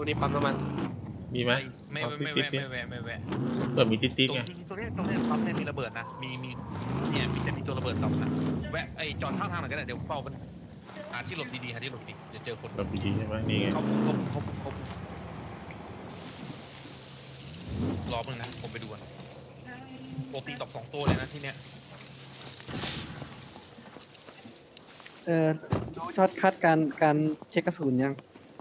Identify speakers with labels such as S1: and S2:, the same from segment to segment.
S1: รงนี้ปั๊มน้ำมัน
S2: มีไหม
S3: ไม่
S2: เอา
S3: ไม่
S2: ติ๊
S3: แวะ
S2: ดๆเนี่ย
S3: ไม่แวะไม่แวะ
S2: เปิดมีติ๊ด
S3: ตร
S2: ๆไง
S3: งตรงนี้ปั๊มเนี่ยมีระเบิดนะมีเนี่ยมีแต่มีตัวระเบิดต่ำนะแวะไอจอดข้างทางหน่อยก็ได้เดี๋ยวเฝ้ามันหาที่หลบดีๆหาที่หลบดีเดี๋ยวเจอคน
S2: แบบดีๆใช่ไหมนี่ไง
S3: เขารอเพิ่งนะผมไปดูก่อนปกติตอบ2 ตัวเลยนะที่เนี้ย
S4: ดูช็อตคัดการเช็คกระสุนยัง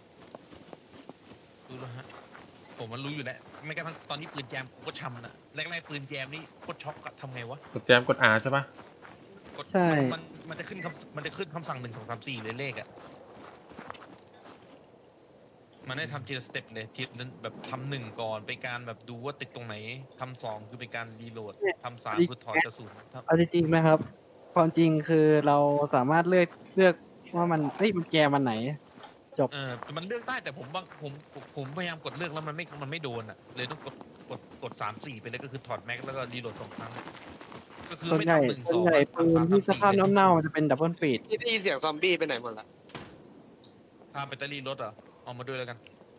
S3: ดูแล้วฮะผมมันรู้อยู่แล้วไม่กระทั่งตอนนี้ปืนแจมผมก็ช้ำนะแรกๆปืนแจมนี่โคตรช็อกอะทำไงวะ
S2: กดแจมกด R ใช่ปะ
S3: กด
S4: ใช่
S3: มันจะขึ้นคำสั่ง1 2 3 4เลยเลขอะมันได้ทำทีละสเต็ปเลยทีละแบบทำ1ก่อนเป็นการแบบดูว่าติดตรงไหนทำ2คือเป็นการรีโหลดทำ3คือถอดกระสุน
S4: เอาจริงๆนะครับ ความจริงคือเราสามารถเลือกว่ามันมันแกมันไหน
S3: มันเลือกได้แต่ผมพยายามกดเลือกแล้วมันไม่โดนอ่ะเลยต้องกด3 4ไปเลยก็คือถอดแม็กแล้วก็รีโหลด2 ครั้งก็คือ
S4: ส่วน
S3: ไม่
S4: ใหญ่
S3: ทำ1
S4: ส่วน
S3: 2
S4: ใหญ่ปืนที่สภาพเน่าๆจะเป็นดับเบิลฟีด
S1: ที่ได้ยินเสียงซอมบี้ไปไหนหมดละ
S3: พาแบตเตอรี่รถเหรอเอามาด้วยแล้วกัน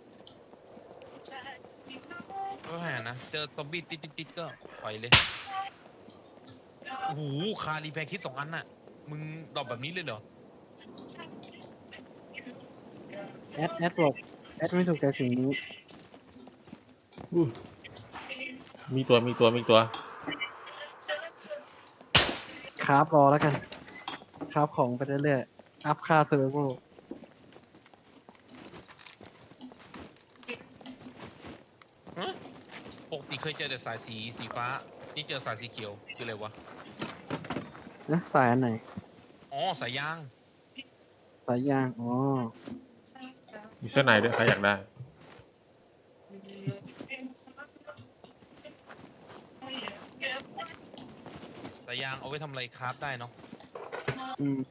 S3: ก็แหนะเจอซอมบี้ติดก็ปล่อยเลยโอ้โหคารีแพคคิด2 อันน่ะมึงดรอปแบบนี้เลยเหรอ
S4: แอดบอกแอดไม่ถูกใจสิ่งนี้
S2: อู้มีตัว
S4: คราฟรอแล้วกันคราฟของไปเรื่อยๆอัพค่าเซิร์ฟเวอร์
S3: ปกติเคยเจอแต่สายสีฟ้านี่เจอสายสีเขียวคืออะไรวะ
S4: นะสายอันไหน
S3: อ๋อสายยาง
S4: สายยางอ๋อ
S2: มีเสื้อในด้วยใครอยากได้
S3: สายยางเอาไว้ทำอะไรคราฟได้เนาะ
S4: อืม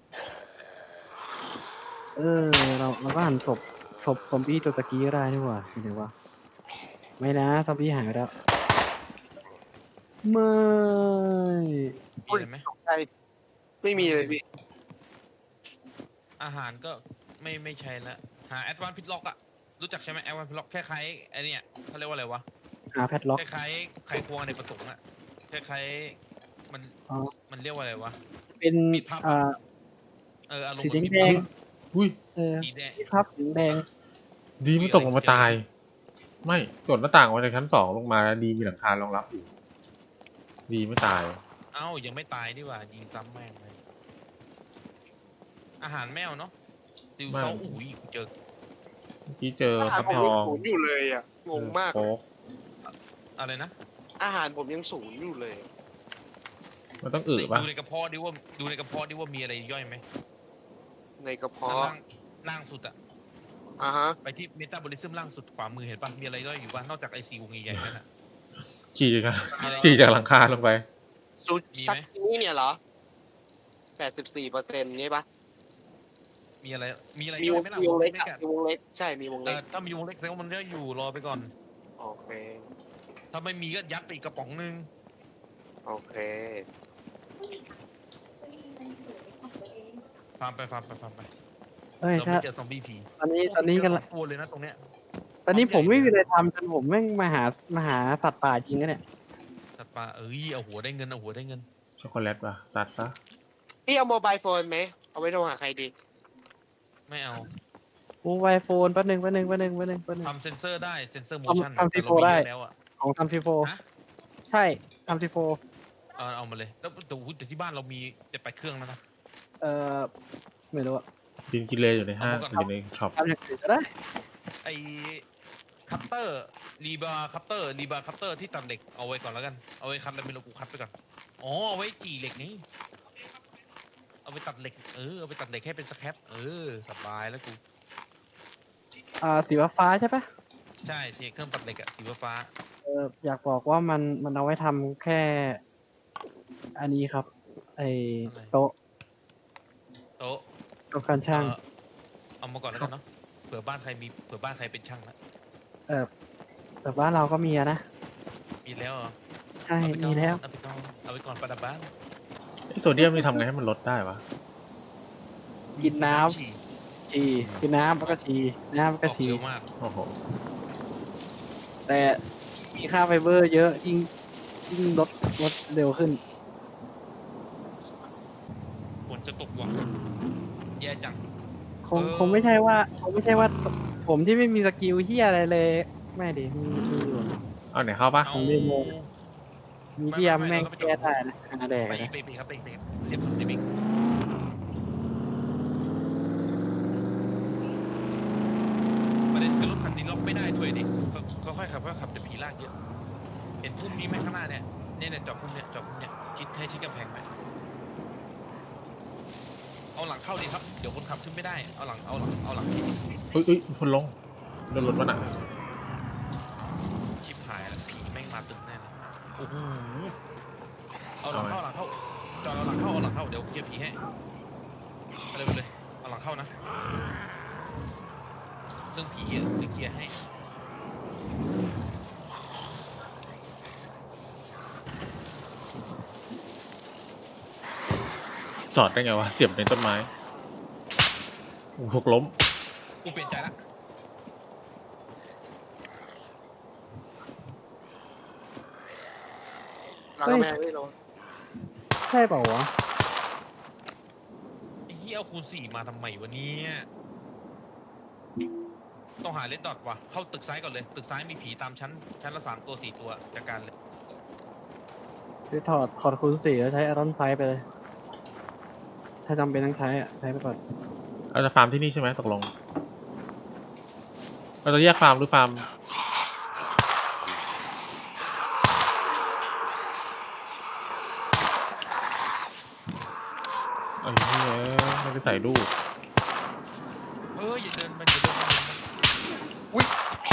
S4: เราก็หันศพซอมบี้ตัวตะกี้ก็ได้นี่หว่าเดี๋ยวว่าไม่นะซอมบี้หายไปแล้วไม่
S3: มีอะไรไหม
S1: ตกใจไม่มีเลยพี่
S3: อาหารก็ไม่ใช่ละหาแอดวานพิทล็อกอะรู้จักใช่ไหมแอดวานพิทล็อกคล้ายๆไอเนี่ยเขาเรียกว่าอะไรวะ
S4: หาแพทล็อก
S3: คล้ายๆไขควงในประสงค์อะคล้ายๆมัน
S4: อ๋อ
S3: มันเรียกว่าอะไรวะ
S4: เป็น
S3: มีภาพ อารม
S4: สี
S3: ณ์เหมือน
S4: แดง
S2: อุ้ย
S3: สีแดง
S4: ที่พับสีแดง
S2: ดีไม่ตกลงมาตาย ไม่กดหน้าต่างมาจากชั้น2ลงมาแล้วดีมีหลังคารองรับอยู่ ดีไม่ตาย
S3: เอ้ายังไม่ตายดีกว่ายิงซ้ำแม่งเลยอาหารแมวเนาะติวเซาอุ้ยเจอ
S2: เมื่อกี้เจอ
S1: อาหาร
S2: ฟัก
S1: ผม
S2: ท
S1: ยั
S2: อง ง
S1: ศูนย์อยู่เลยอ่ะงงมาก
S2: โค้ก
S3: อะไรนะ
S1: อาหารผมยังศูนย์อยู่เลย
S2: มันต้องอึป่ะ
S3: ดูในกระเพาะดิว่ามีอะไรย่อยไหม
S1: ในกระ
S3: ข้าง
S1: เพาะ
S3: ล่างสุดอะ
S1: อ่าฮะ
S3: ไปที่เมตาบอลิซึมล่างสุดขวามือเห็นป่ะมีอะไรย่อยอยู่ป่ะนอกจากไอซีวงใหญ่ๆนั่นอะ
S2: ขี่จาก
S3: มีอะไร
S2: ขี่จากหลังคาลงไป
S1: ซู
S3: มีไหม
S1: ซักนี้เนี่ยเหรอ84%นี่ปะ
S3: มีอะไร
S1: มี
S3: ย่อ
S1: วย ง
S3: ไหมล่ะ
S1: มีวงเล็ก
S3: ไม่
S1: อะ
S3: กัด
S1: มีวงเล็กใช่มีวงเล็ก
S3: ถ้ามีวงเล็กแสดงว่ามันย่อยอยู่รอไปก่อน
S1: โอเค
S3: ถ้าไม่มีก็ยัดไปอีกกระป๋องนึง
S1: โอเค
S3: ฟาร์มไป
S4: เอ้ย
S3: เรา
S4: ถ้า
S3: ไม่เจอซอมบี้ผี
S4: ตอนนี้กัน
S3: เจอ
S4: ละ
S3: 2 ตัวเลยนะตรงเนี้ย
S4: ตอนนี้ผมไม่มีอะไรทำจนผมแม่งมาหาสัตว์ป่าจริงนะเนี่ย
S3: สัตว์ป่าเอาหัวได้เงินเอาหัวได้เงิน
S2: ช็อกโกแลตป่ะซัดซะ
S1: พี่เอาโมบายโฟนไหมเอาไว้โทรหาใครดี
S3: ไม่เอา
S4: โอ้ไวโฟนแป๊บนึง
S3: ทำเซนเซอร์ได้เซนเซอร์โมชั่น
S4: ทำ
S3: แต่เรา
S4: T4 ได้
S3: มีเยอะแล้วอะ
S4: ของทำทีโฟ
S3: ฮะ
S4: ใช่ทำทีโฟ
S3: เอามาเลยแล้วแต่ที่บ้านเรามี7-8 เครื่องแล้วนะ
S4: ไม่รู้อะ
S2: ดินกิเลอยู่ในห้าง
S3: เอามาก่อน
S2: อยู่ในช็อป
S4: ทำอย่างอื่นก็ได้
S3: ไอคัตเตอร์รีบาร์คัตเตอร์ที่ตัดเหล็กเอาไว้ก่อนแล้วกันเอาไว้คัตแล้วไม่รู้กูคัตไปก่อนอ๋อเอาไว้จี่เหล็กนี่เอาไปตัดเหล็กเอาไปตัดเหล็กให้เป็นสแครปสบายแล้วกู
S4: สีฟ้าใช่ปะ
S3: ใช่เครื่องตัดเหล็กอะสีฟ้า
S4: อยากบอกว่ามันเอาไว้ทำแค่อันนี้ครับ ไอโต๊ะ
S3: โต๊ะ
S4: โต๊ะการช่าง
S3: เอามาก่อนแล้วกันเนาะเผื่อบ้านใครเป็นช่างละ
S4: แต่บ้านเราก็มีอะนะ
S3: มีแล้วเหรอ
S4: ใช่
S3: เอาไปก่อน
S4: มีแล้ว
S3: เอาไปก่อนประดับบ้าน
S2: ไอโซเดียมนี่ทำไงให้มันลดได้วะ
S4: กินน้ำ
S3: ฉี่
S4: ฉี่คือน้ำแล้วก็ฉี่น้ำแล้ว
S3: อ
S4: ก็
S3: อก
S4: ฉี่
S3: เร็วมาก
S2: โอ้โห
S4: แต่มีค่าไฟเบอร์เยอะยิ่งลดเร็วขึ้น
S3: ฝนจะตกว่ะแย่จัง
S4: คงไม่ใช่ว่าผมที่ไม่มีสกิลเฮียอะไรเลย ไม่ดิมีอยู่
S2: เอาไหนเข้าปะ
S3: เอา
S4: ของเดโม มีที่ยำแม่งแก้ได้นะหาแดก
S3: ไป
S4: นะ
S3: ครับไปเรียบสุดในบิ๊กประเด็นคือรถคันนี้ล็อกไม่ได้ด้วยดิก็ค่อยขับเดี๋ยวผีลากเยอะ เห็นพุ่มนี้ไหมข้างหน้าเนี่ยจอดพุ่มเนี่ยชิดกำแพงไหมเอาหลังเข้าดีครับเดี๋ยวคนขับขึ้นไม่ได้เอาหลังชิด
S2: อุ้ยคนลงโดนรถมันอ่ะ
S3: ชิบหายแล้วผีแม่งมาตึกแน่เลยโอ้โหเอาหลังเข้าจอดเอาหลังเข้าเดี๋ยวเคลียร์ผีให้ไปเลยเอาหลังเข้านะเรื่องผีอ่ะเดี๋ยวเคลียร์ให้
S2: จอดได้ไงวะเสียบในต้นไม้โอ้โหหกล้ม
S3: กูเปลี่ยนใจละ
S1: หลังกำแพงนี่เรา
S4: ใช่เปล่าวะ
S3: ไอ้เหี้ยเอาคูณ4มาทำไมวะเนี่ยต้องหาเลดดอทว่ะเข้าตึกซ้ายก่อนเลยตึกซ้ายมีผีตามชั้นละ3 ตัว 4 ตัวจัดการเลย
S4: คือถอดคูณ4แล้วใช้อารอนไซด์ไปเลย ถ้าจำเป็นต้องใช้ใช้ไปก่อน
S2: เราจะฟาร์มที่นี่ใช่ไหมตกลง เราจะแยกฟาร์มหรือฟาร์มไอ้เหี้ยไม่ได้ใส่ลูก
S3: อย่าเดินมันอุ้ย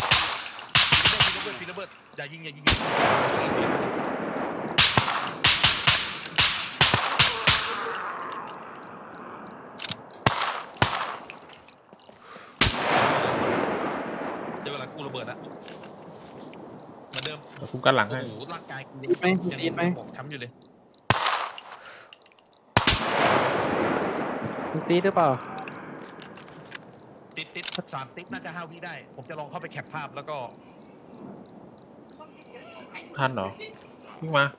S3: ปีระเบิดอย่ายิงเดี๋ยวเวลากูระเบิดละเหมือนเดิม
S2: เดี๋ยวคุ้มกันหลัง
S3: โอ้
S2: ให้
S3: โหร่างกายกู
S4: ติดไหม
S3: ยัง
S4: ติดไหม
S3: บอบช้ำอยู่เลย
S4: มันตีดหรือเปล่า
S3: ติด3 ติ๊บน่าจะ5 วิได้ ผมจะลองเข้าไปแคปภาพแล้วก็
S2: ทันเหรอวิ่งมา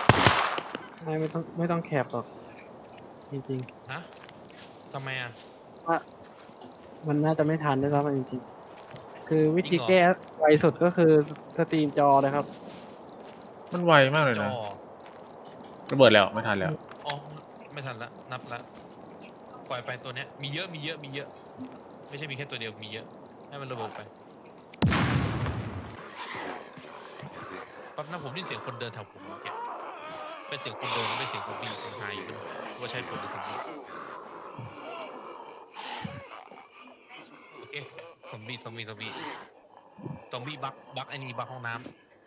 S4: ไม่ต้องแคปหรอก จริง
S3: ฮะทำไมอ่ะ
S4: ๆว่ามันน่าจะไม่ทันด้วยซ้ำจริงๆคือวิธี
S3: จริงเหรอ
S4: แก้ไวสุดก็คือสตรีมจอเลยครับ
S2: มันไวมากเลย
S3: จอ
S2: นะระเบิดแล้วไม่ทันแล้ว
S3: อ๋อไม่ทันละนับละปล่อยไปตัวเนี้ยมีเยอะไม่ใช่มีแค่ตัวเดียวมีเยอะให้มันระเบิดไปแปั๊บนะผมได้ยินเสียงคนเดินแถวผมเมื่อกี้เป็นเสียงคนเดินไม่เป็นเสียงคนปีนคนหายอยู่ว่าใช่คนหรือคนนี้โอเคซอมบี้บักไอ้นี่บักห้องน้ำ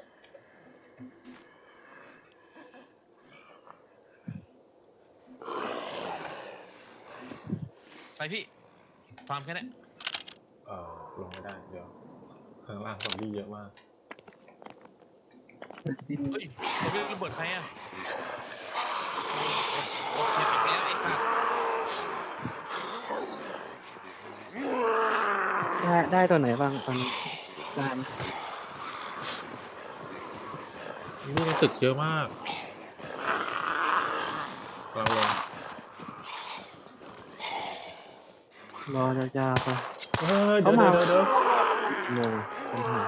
S3: ไปพี่ฟาร์มแค่นี้
S2: ลงไม่ได้เดี๋ยวข้างล่างซอมบี้เยอะมาก
S3: เฮ้ยเราไม่ระเบิดใครอ่ะโอเคปิดแล้วไอ้สัตว์
S4: ได้ตัวไหนบ้างตอนนี้ได้ไหม
S2: นี่ในตึกเยอะมากกำลังลง
S4: รอยาวๆไป
S2: เดี๋ยว
S4: โมงปัญหา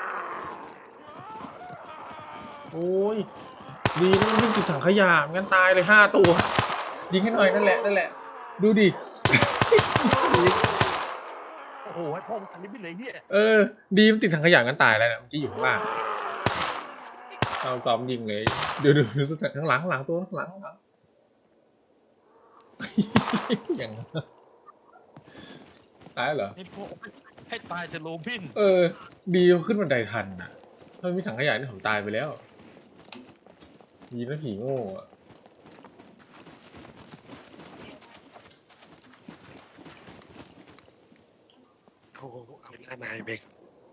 S2: โอ้ยดีนะมันวิ่งติดถังขยะงั้นตายเลย5 ตัวยิงให้หน่อยนั่นแหละดูดิ
S3: โอ้โหให้พ่อมึงอันนี้ไปเลยเฮีย
S2: ดีมันติดถังขยะงั้นตายแล้วเนี่ยเมื่อกี้อยู่ข้างล่างเราซ้อมยิงเลยดูสุดข้างหลังตัวข้างหลังอย่างตายเหรอ
S3: ให้พ่อให้ตายจะโลพิน
S2: ดีขึ้นบันไดทันนะถ้าไม่มีถังขยะนี่ผมตายไปแล้วดีนะผีโง่อะ
S1: เอาหน้าไม้เบก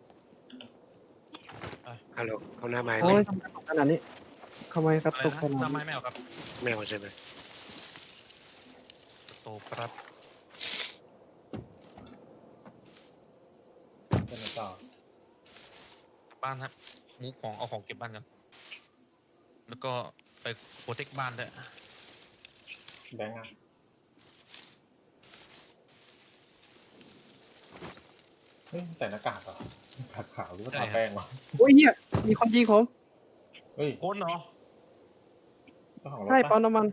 S1: ฮัลโหลเอาหน้าไม้
S4: โอ้
S1: ไหม
S4: ยทำไมตกขนาดนี้ทำไมกระ
S3: อะไร
S4: ตุก
S3: นะ
S4: ขนาด
S3: ทำไม
S4: นี้
S3: ไม่เอาครับ
S1: ไม่เอาใช่ไหม
S3: โตปรับบ้านครับมูฟของเอาของเก็บบ้านกันแล้วก็ไปโปรเทคบ้านด้วย
S2: แบงค์อะเฮ้ยใส่หน้ากากเหรอหน้ากากขาวหรือว่าทาแป้งวะ
S4: โอ้ยเฮียมีคนยิงผม
S2: เฮ้ย
S3: คนเหรอ
S2: เจ้าของรถ
S4: ใช่ปั๊
S2: ปะ
S4: มน้ำมัน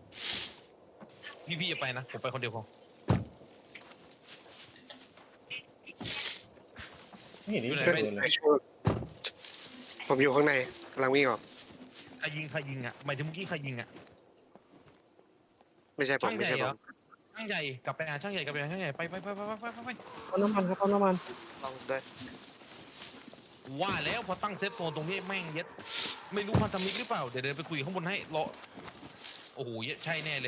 S3: พี่จะไปนะผมไปคนเดียวพอ
S2: ไม่เห็นนี่
S3: อยู่ไหน
S2: เจอเล
S1: ไม่
S2: ย
S1: ช่วยผมอยู่ข้างในกำลังวิ่งออก
S3: ใครยิงอ่ะหมายถึงเมื่อกี้ใครยิงอ่ะ
S1: ไม่ใช่ผม
S3: ช่าง
S1: ไม่
S3: ใหญ่
S1: ใช่
S3: เห
S1: ผ
S3: รอ
S1: ม
S3: ช่างใหญ่กลับไปหาช่างใหญ่กลับไปหาช่างใหญ่ไป
S4: ปั๊มน้ำมันครับปั๊มน้ำมัน
S1: ลองด้วย
S3: ว่าแล้วพอตั้งเซฟโซนตรงนี้แม่งเย็ดไม่รู้พันธมิตรหรือเปล่าเดี๋ยวเดินไปคุยข้างบนให้รอโอ้โหใช่แน่เลย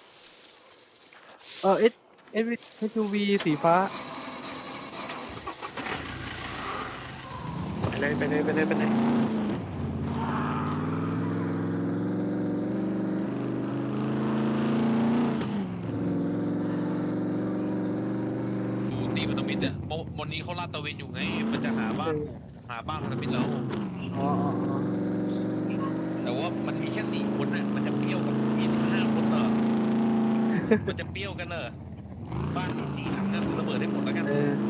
S4: SUV สีฟ้า
S1: ไปเลยไปเลยไปเลยไปเลย
S3: ดูตีพันธมิตรเนี่ยวันนี้เขาลาดตระเวนอยู่ไงมันจะหาบ้านพันธมิตรแล้ว
S4: อ๋อ
S3: แต่ว่ามันมีแค่4 คนนะมันจะเปรี้ยวกับ25 คนเหรอ มันจะเปรี้ยวกันเหรอบ้านมี4 หลังนะระเบิดได้หมดแล้วกัน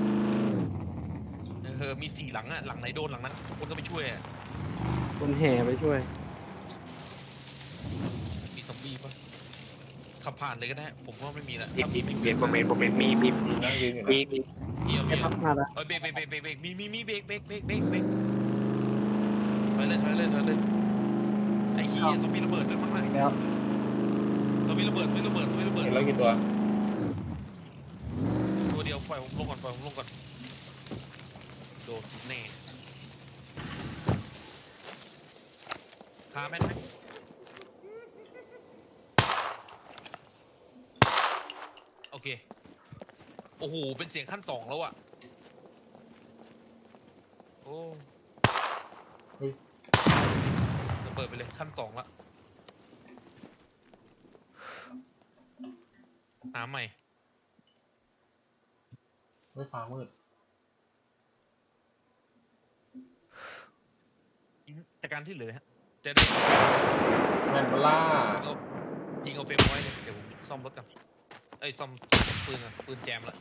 S3: มี4 หลังอะหลังไหนโดนหลังนั้นคนก็ไปช่วยอะ
S4: คนแห่ไปช่วย
S3: มีซอมบี้ปะขับผ่านเลยก็ได้ ผมว่าไม่มีละ
S1: มี
S3: ถ้า
S1: มี
S3: มี
S1: มีโมเมนต์โมเมนต์มี
S2: นั่งยืนอยู่
S1: มี
S2: นะ
S1: มี
S3: เดียว
S4: ไอ้พับมาแล้ว
S3: เบรกมีเบรกไปเลยไอ้เหี้ยต้องมีระเบิดด้วยมั้งนะ
S4: แล้ว
S3: ต้องมีระเบิดไม่ระเบิด
S2: เห็นแล้วกี่ตัว
S3: ตัวเดียวปล่อยผมลงก่อนโดนแน่คาแม่นไหมโอเคโอ้โหเป็นเสียงขั้น 2แล้วอะโอ้ระเบิดไปเลยขั้น 2ละหาใหม่
S2: ไม่ฟ้ามืด
S3: จากการที่เหลือฮะจะได้
S2: แมนเบล่า
S3: ยิงเอาเฟรมไว้เลยเดี๋ยวผมซ่อมรถกันซ่อมปืนกันปืนแจมละ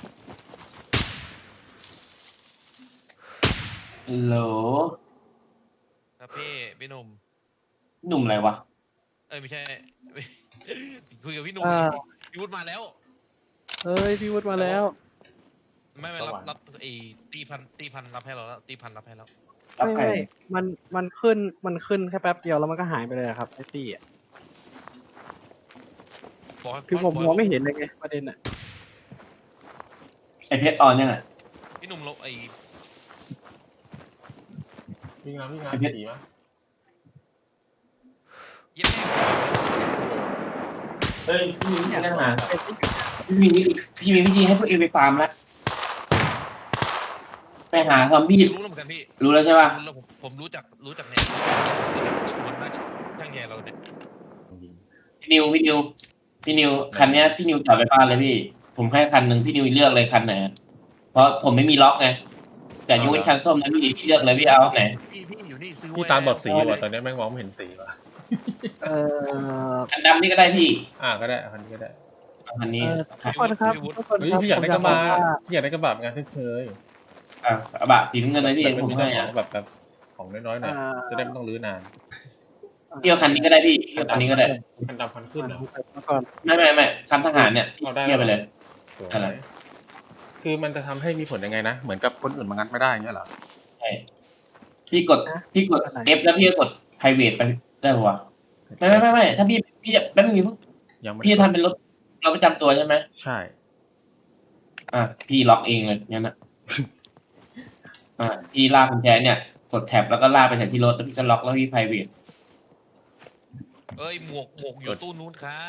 S5: โหล
S3: ครับพี่หนุ่ม
S5: หนุ่มอะไรวะ
S3: ไม่ใช่ คุยกับพี่หนุ่มพี่วุฒิมาแล้ว
S4: เอ้ยพี่วุฒิมาแล้ว
S3: ไม่รับตีพันรับให้เราแล้วตีพันรับให้แล้ว
S5: รับใคร
S4: ไม่มันขึ้นแค่แป๊บเดียวแล้วมันก็หายไปเลยครับไอ้ตี้อ่ะ
S3: บอกให้
S4: คือผมมองไม่เห็นเลยไงประเด็นอ่ะ
S5: ไอเพชรออนยังไง
S3: พี่หนุ่มเรา
S2: วิ่งน้ำสีมั้ย
S3: เย็บแม่
S5: เฮ้ยพี่มีวิธีหาพี่มีวิธีให้พวกเอไปฟาร์มแล้วไปหาซอมบี้
S3: รู้แล้วเหมือนกันพี่
S5: รู้แล้วใช่ป่ะ
S3: รู้แล้วผมรู้จักเนี่ยรู้จักคนหน้าช่างแย่เราเนี่ย
S5: พี่นิวคันเนี้ยพี่นิวจอดไปบ้านเลยพี่ ผมให้คันหนึ่งพี่นิวเลือกเลยคันไหนเพราะผมไม่มีล็อกไงแต่ยกเว้นคันส้มนะพี่เลือกเลยพี่เอาไหน
S3: พี่อยู่นี่ซื้อ
S2: พี่ตามบอดสีว่ะตอนนี้แม่งมองไม่เห็นสีว่ะ
S5: คันดำนี่ก็ได้พี่
S2: ก็ได้คันนี้ก็ได้
S5: คันนี้
S4: ทุกคนครับทุกคน
S2: เฮ้ย
S4: ครับ
S2: พี่อยากได้กระบะ
S4: ผมอยากบอกว่า
S2: พี่อยากได้กระบะงานเฉย
S5: กระบะสีน้ำเงินเลยพี่
S2: ๆ
S5: ผม
S2: มี
S5: ให้
S2: ของแบบของน้อยๆหน่อยจะได้ไม่ต้องรื้อนาน
S5: พี่เอาคันนี้ก็ได้พี่เอาคันนี้ก็ได้
S2: คันดำคันขึ้นเหรอ
S4: มาก่อน
S5: ไม่คันทหารเนี่ยเทียบไปเลย
S2: สวย
S5: อะไร
S2: คือมันจะทำให้มีผลยังไงนะเหมือนกับคนอื่นมางัดไม่ได้อย่างเงี้ยเหรอ
S5: ใช่พี่กด F แล้วพี่ก็กด private ไปได้ปะวะไม่ถ้าพี่จะแป๊บนึง
S2: ยังไม่
S5: พี่จะทำเป็นรถเราประจำตัวใช่ไหม
S2: ใช่
S5: พี่ล็อกเองเลยงั้นนะพี่ลากกุญแจเนี่ยกดแท็บแล้วก็ลากไปแถวที่รถแล้วพี่ก็ล็อกแล้วพี่ private
S3: หมวกอยู่ตู้นู้นครับ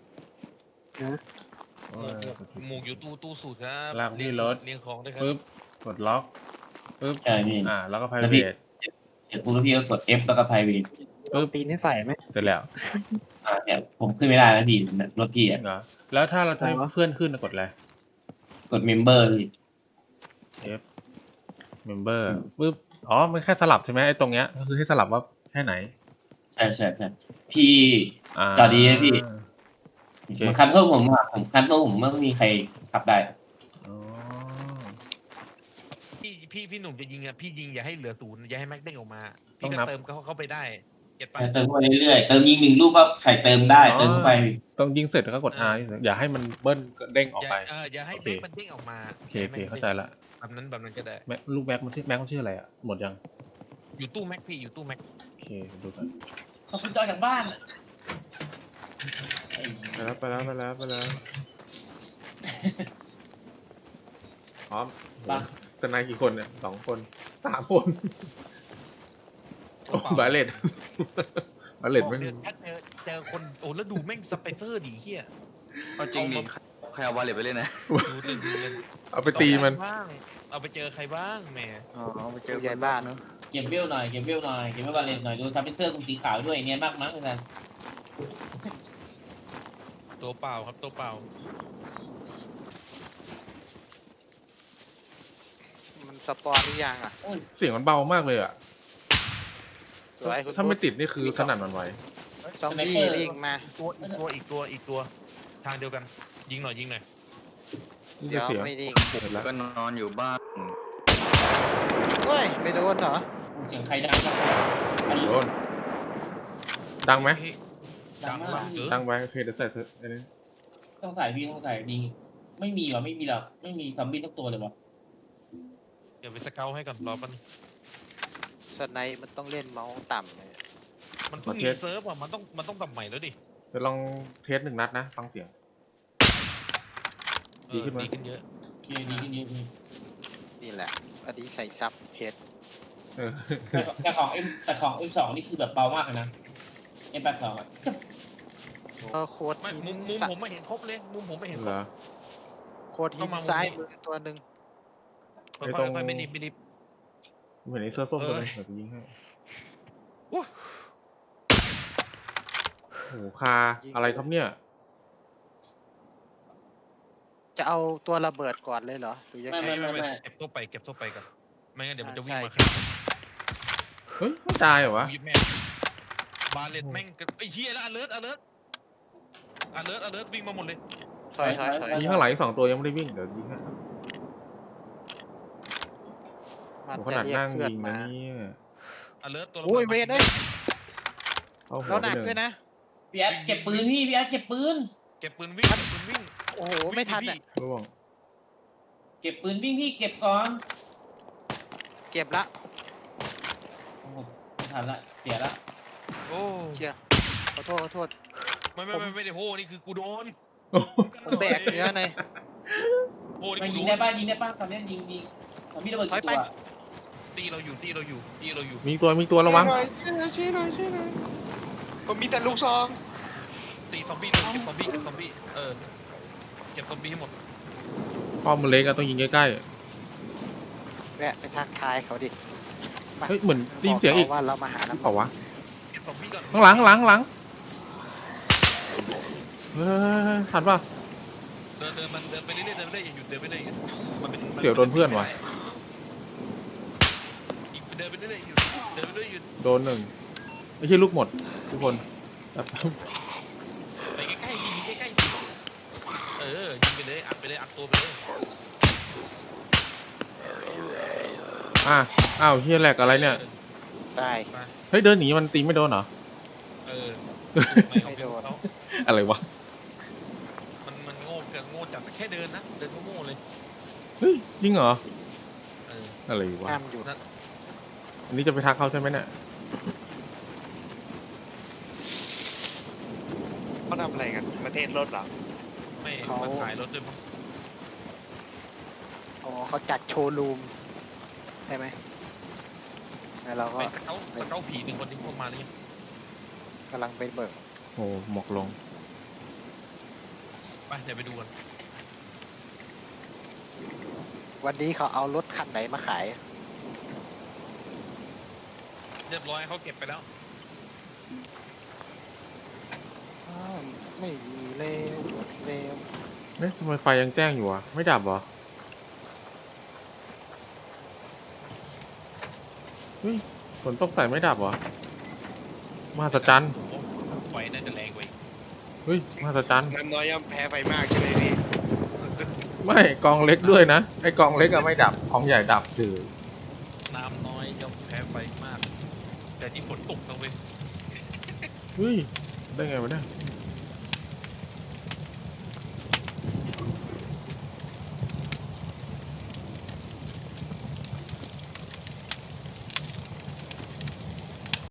S2: เออ
S3: หมวกอยู่ตู้สูตรครับ
S2: ลากที่รถ
S3: เรียงของด้วยครับ
S2: ปึ๊บกดล็อกปึ๊บ
S5: ใช่พี่
S2: แล้วก็
S5: แล้วพี่
S2: private
S5: เสร็จปุ๊บแล้วพี่ก็กด F แล้วก็ private
S4: ปีนให้ใส่ไหม
S2: เสร็จแล้ว
S5: เนี่ยผมขึ้นไม่ได้นะพี่รถพี่
S2: เหรอแล้วถ้าเราจะให้เพื่อนขึ้นกดอะไร
S5: กด member พี่
S2: F member ปึ๊บอ๋อมันแค่สลับใช่ไหมไอ้ตรงเนี้ยก็คือให้สลับว่าแค่ไหน
S5: ใช่ใช่ใช่พี่
S2: อ่า
S5: จอดีนะพี่
S2: โอเค
S5: มันคันโทษผมอะผมคันโทษผมไม่มีใครขับได้
S2: อ๋อ
S3: พี่หนุ่มจะยิงอะพี่ยิงอย่าให้เหลือศูนย์อย่าให้แม็กเด้งออกมาพี่ก็เติมเข้าไปได้เก็ตปะ
S5: เติมเข้าไปเรื่อยๆเติมยิง1 ลูกก็ใส่เติมได้เติมเข้าไป
S2: ต้องยิงเสร็จแล้วก็กด R อย่าให้มันเบิ้ลเด้งออกไป
S3: อย่าให้
S2: โอเค
S3: แม็กมันเด้งออกมา
S2: โอเคโอเคเข้าใจละ
S3: แบบนั้นก็ได้
S2: ลูกแม็กมันชื่ออะไรอ่ะหมดยัง
S3: อยู่ตู้แม็กพี่อยู่ตู้แม็ก
S2: โอเคดูกัน
S5: ขอบคุณจอจากบ้าน
S2: ไปแล้วพร้อม
S5: ไป
S2: สนายกี่คนเนี่ย2 คน3 คนโอ้บาเลต บาเลตไม่
S3: ถ้าเจอคนโอ้แล้วดูแม่งสเปเซอร์ดีเฮีย
S6: เอาจริงดิใครเอาวาเลตไปเล่นนะ
S3: ดูเล่น
S2: เอาไปตีมัน
S3: บ้างเอาไปเจอใครบ้างแหม
S6: อ๋อไปเจ
S4: เจ
S6: อ
S4: อใหญ่บ้านเนาะ
S5: เก็บเวลหน่อยเก็บเวลบาเลนหน่อยดูซับเป็นเสื้อตรงสีขาวด้วยเนียนมากมั้งอาจารย์
S3: ตัวเปล่าครับตัวเปล่า
S7: มันสปอนหรือยังอ่ะ
S2: เสียงมันเบามากเลยอ่ะ
S7: สวยคุณ
S2: ถ้าไม่ติดนี่คือสนั่นหวันไหว
S7: ซอมบี้วิ่งมา
S3: อีกตัวทางเดียวกันยิงหน่อย
S2: นี่
S7: เดี๋
S2: จะ
S7: ยว
S2: เสียง
S7: ไม่ดิ่ง
S2: เสร็จแล้ว
S6: ก็นอนอยู่บ้าน
S7: เฮ้ยไม่โดนเหรอ
S5: เสียงใครดังครับอันนี้
S2: โดนดังไหม
S3: ดังมากเออ
S2: ดังไว้โอเคเดี๋ยวใส่ไอ้นี่
S5: ต้องใส่พี่ต้องใส่ดีไม่มีหรอไม่มีหรอกไม่มีซอมบี้ทั้งตัวเลยวะ
S3: เดี๋ยวไปสเกลให้ก่อนรอแป๊บนึง
S7: สไนป์มันต้องเล่นเมาส์ต่ำเลย
S3: มันเพิ่งรีเซิร์ฟอ่ะมันต้องกลับใหม่แล้วดิ
S2: เดี๋ยวลองเทส1 นัดนะฟังเสียง ดีขึ้นไหม
S3: ดีขึ้นเยอะ
S5: โอเคดีขึ้นเยอะพี่
S7: นี่แหละอันนี้ใส่ซับเพชร
S2: เออ
S5: แต่ของ M2 นี่คือแบบเบามากเลยนะ M82 อ่ะ
S7: โค้ด
S3: ไม่
S7: หิน
S3: มุมผมไม่เห็นครบเลยมุมผมไม่เห็นค
S2: เห
S3: ร
S2: ร
S3: บ
S2: อ
S7: โค้ดหินซ้ายมือตัวหนึ่ง
S2: ไอ้ตรง
S3: ค่อยๆไม่รีบ
S2: ผมเห็นไอ้เสื้อส้มตัวนึงเดี๋ยวกูยิงให้
S3: โอ้
S2: โอ้โหคาอะไรครับเนี่ย
S7: จะเอาตัวระเบิดก่อนเลยเหรอหรือยังไง
S3: ไม่เก็บทั่วไปก่อนไม่งั้นเดี๋ยวมันจะวิ่งมา
S7: ใช่
S3: ฆ่า
S2: เฮ้ยไม่ตายเหรอวะ
S3: กูยิบแม่งบาเลตแม่งไอ้เหี้ยแล้วอเลิร์วิ่งมาหมดเลย
S7: ถอย
S2: ยิงข้างหลังอีก2 ตัวยังไม่ได้วิ่งเดี๋ยวยิงให้
S7: มัน
S2: โอ้โหข
S7: จะ
S2: นาด
S7: เรียก
S2: นั่ง
S7: เพื่อน
S2: ยิงนะ
S7: มา
S2: เนี่ย
S3: อเลิร์ตัว
S7: โอ้ยเวทเอ้ย
S2: เข้าหั
S7: แล้ว ว
S2: ไป
S7: หนัก
S2: หนึ่ง
S7: ด้วยนะ
S5: พี่แอดเก็บปืนพี่แอดเก็บปืน
S3: เก็บปืนวิ่ง
S7: โอ้โหไม่ทันอ่ะ
S2: ร่วง
S5: เก็บปืนวิ่งพี่เก็บก่อน
S7: เก็บละ
S5: โอ้โหไม่ทันละเสียละ
S3: โอ้
S7: เชียร์ขอโทษ
S3: ไม่ได้โหนี่คือกูโดน
S7: ผมแบกเนื้อใน
S3: โหนี่
S5: มัน
S3: กู
S5: ยิ
S3: โด
S5: งได้
S3: น
S5: ป่ะยิงได้ป่ะตอนนี้ยิงตอนนี้ระเบิดกี่ตัว
S3: ตีเราอยู่
S2: มีตัวระวัง
S7: ช่วยหน่อยผมมีแต่ลูกซอง
S3: ตีซอมบี้เลยเก็บซอมบี้เก็บซอมบี้ให้หมด
S2: ป้อมมันเล็กอะต้องยิงใกล้
S7: แวะไปทักทายเขาดิ
S2: ๆเฮ้ยเหมือนได้ยินเสียงอีก
S7: ว่าเรามาหา
S2: หรือ
S7: น้ำ
S2: เปล่าวะ
S3: เก็บซอมบี้ก่อน
S2: ข้างหลังเฮ้ยทันป่ะ
S3: เดินไปเรื่อยอย่าหยุดเดินไปเรื่อยมันเป็น
S2: เสี่ยวโดนเพื่อนว่ะ
S3: เดินไปเรื่อยหยุด
S2: โดน1ไม่ใช่ลูกหมดทุกคนแบบ
S3: ไปใกล้ๆยิงใกล้ๆยิงไปเลยอัดตัวไปเลย
S2: อ้าวเฮียแหลกอะไรเนี่ย
S7: ได้
S2: เฮ้ยเดินหนีมันตีไม่โดนเหรอ
S3: ไม่โดน
S2: อะไรวะ
S3: มันโง่จัดแค่เดินนะเดินโง่เลย
S2: เฮ้ยจริงเหรออะไรวะ
S7: ห้ามหยุด
S2: อันนี้จะไปทักเขาใช่ไหมเนี่ย
S1: เขาทำอะไรกันประเทศรถเหรอ
S3: ไม่มันขายรถด้วยมั้ง
S7: อ๋อเขาจัดโชว์รูมใช่ไหมแล้วเราก็
S3: ไปเขาผี1 คนที่พวกมาเลย
S7: กำลังไปเบิก
S2: โอ้หมอกลง
S3: ไปเดี๋ยวไปดูกัน
S7: วันนี้เขาเอารถคันไหนมาขาย
S3: เรียบร้อยเขาเก็บไปแล้ว
S7: อ้าวไม่มีเลวหมดเลว
S2: เอ๊ะทำไมไฟยังแจ้งอยู่อ่ะไม่ดับเหรอเฮ้ยฝนตกใส่ไม่ดับเหรอมหัศจรรย์
S3: โอ้ไฟน่าจะแรงกว่าอีก
S2: เฮ้ยมหัศจรรย์
S1: น้ำน้อยย่อมแพ้ไฟมากใช่ไหมพี่
S2: ไม่กองเล็กด้วยนะไอกองเล็กอะไม่ดับกองใหญ่ดับสื่อ
S3: น้ำน้อยย่อมแพ้ไฟมาก แต่ที่ฝนตกนะเว้ย
S2: เฮ้ยได้ไงวะเนี่ย
S3: ฝ